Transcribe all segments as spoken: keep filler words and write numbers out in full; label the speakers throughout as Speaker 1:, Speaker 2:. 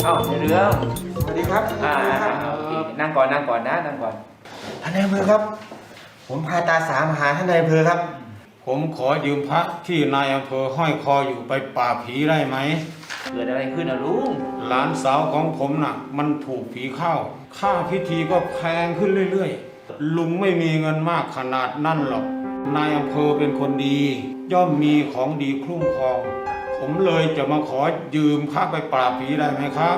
Speaker 1: เอ้าในเรื่อง
Speaker 2: สวัสดีครับ
Speaker 1: อ่านั่งก่อนนั่งก่อนนะนั่งก่อน
Speaker 2: ท่านนายอำเภอครับผมพาตาสามาหาท่านนายอำเภอครับ
Speaker 3: ผมขอยืมพระที่นายอำเภอห้อยคออยู่ไปปราบผีได้ไหม
Speaker 1: เกิดอะไรขึ้นนะลุง
Speaker 3: หลานสาวของผมน่ะมันถูกผีเข้าค่าพิธีก็แพงขึ้นเรื่อยๆลุงไม่มีเงินมากขนาดนั่นหรอกนายอำเภอเป็นคนดีย่อมมีของดีคุ้มครองผมเลยจะมาขอยืมพระไปปราบผีได้ไหมครับ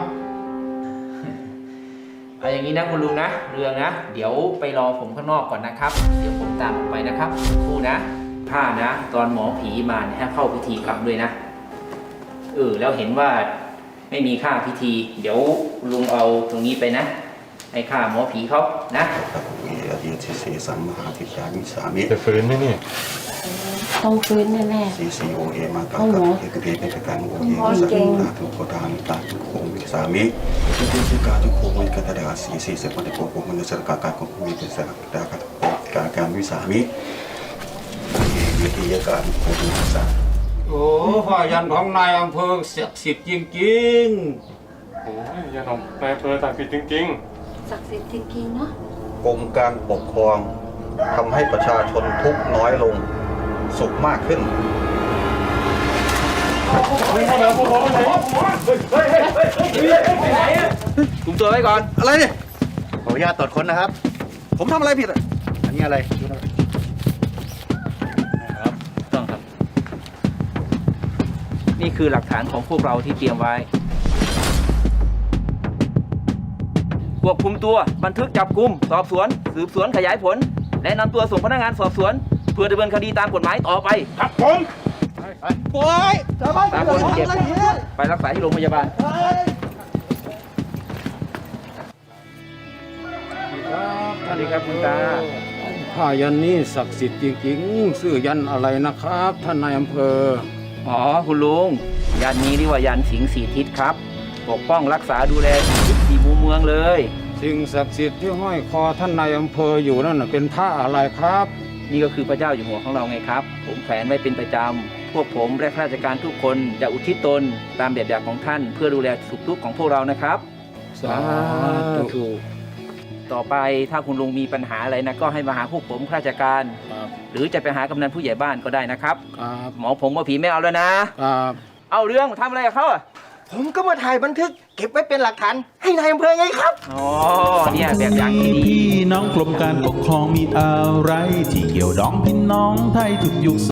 Speaker 1: เอาอย่างนี้นะคุณลุงนะเรื่องนะเดี๋ยวไปรอผมข้างนอกก่อนนะครับเดี๋ยวผมตามออกไปนะครับครูนะผ้านะตอนหมอผีมาเนี่ยให้เข้าพิธีกรรมด้วยนะเออแล้วเห็นว่าไม่มีค่าพิธีเดี๋ยวลุงเอาตรงนี้ไปนะให้ค่าหมอผีเขานะ
Speaker 4: มีอดีตเสสัมมหาทิยามิสามิ
Speaker 5: จะฟื้นไหมนี่
Speaker 6: ต้องฟื้นแน่
Speaker 4: ๆซีซีโอเอมาตากับเอกเทเป็นการโอเอสังฆาทุกโคตามิตาทุกโคมิสามิทุกสิกาทุกโคมิกตาดาสีสีเสพติโกโกมันสกากาโกมิเป็นสกดากาการการวิสามิวิธีการโคมิสา
Speaker 3: โอ้ผ้ายันของนายอำเภอศักดิ์สิทธิ์จริงๆ
Speaker 5: โอ้ยยันของนายอำเภอศักดิ์สิทธิ์จริง
Speaker 6: ๆศักดิ์สิทธิ์จริงๆเนาะ
Speaker 4: กรมการปกครองทำให้ประชาชนทุกข์น้อยลงสุขมากขึ้น
Speaker 1: คุมตัวไว้ก่อน
Speaker 2: อะไรเนี่ยขออนุญาตตรวจค้นนะครับผมทำอะไรผิดอ่ะอันนี้อะไร
Speaker 1: ครับต้องครับนี่คือหลักฐานของพวกเราที่เตรียมไว้ควบคุมตัวบันทึกจับกุมสอบสวนสืบสวนขยายผลและนำตัวส่งพนักงานสอบสวนเพื่อดำเนินคดีตามกฎหมายต่อไป
Speaker 3: ครับผม
Speaker 2: ปล่อย
Speaker 1: ตามคนเจ็บไปรักษาที่โรงพยาบาลสวัสดีครับคุณตา
Speaker 3: ผ้ายันนี้ศักดิ์สิทธิ์จริงๆชื่อยันอะไรนะครับท่านนายอำเภอ
Speaker 1: อ๋อคุณลุงยันนี้เรียกว่ายันสิงห์สีทิศครับปกป้องรักษาดูแลทุกสี่มุมเมืองเลย
Speaker 3: สิ่งศักดิ์สิทธิ์ที่ห้อยคอท่านนายอำเภออยู่นั่นเป็นผ้าอะไรครับ
Speaker 1: นี่ก็คือพระเจ้าอยู่หัวของเราไงครับผมแขวนไว้เป็นประจำพวกผมและข้าราชการทุกคนจะอุทิศตนตามแบบอย่างของท่านเพื่อดูแลสุขทุกข์ของพวกเรานะครับ
Speaker 3: สาธุ
Speaker 1: ต่อไปถ้าคุณลุงมีปัญหาอะไรนะก็ให้มาหาพวกผมข้าราชการหรือจะไปหากำนันผู้ใหญ่บ้านก็ได้นะครับหมอผมว่าผีไม่เอาแล้วนะเอาเรื่องทำอะไรกับเขาอ่ะ
Speaker 2: ผมก็มาถ่ายบันทึกเก็บไว้เป็นหลักฐานให้นายอำเภอไงครับ
Speaker 1: อ๋อเนี่ยแบบอย่างที่ดี
Speaker 7: พี่น้องกรมการปกครองมีอะไรที่เกี่ยวดองพี่น้องไทยทุกยุค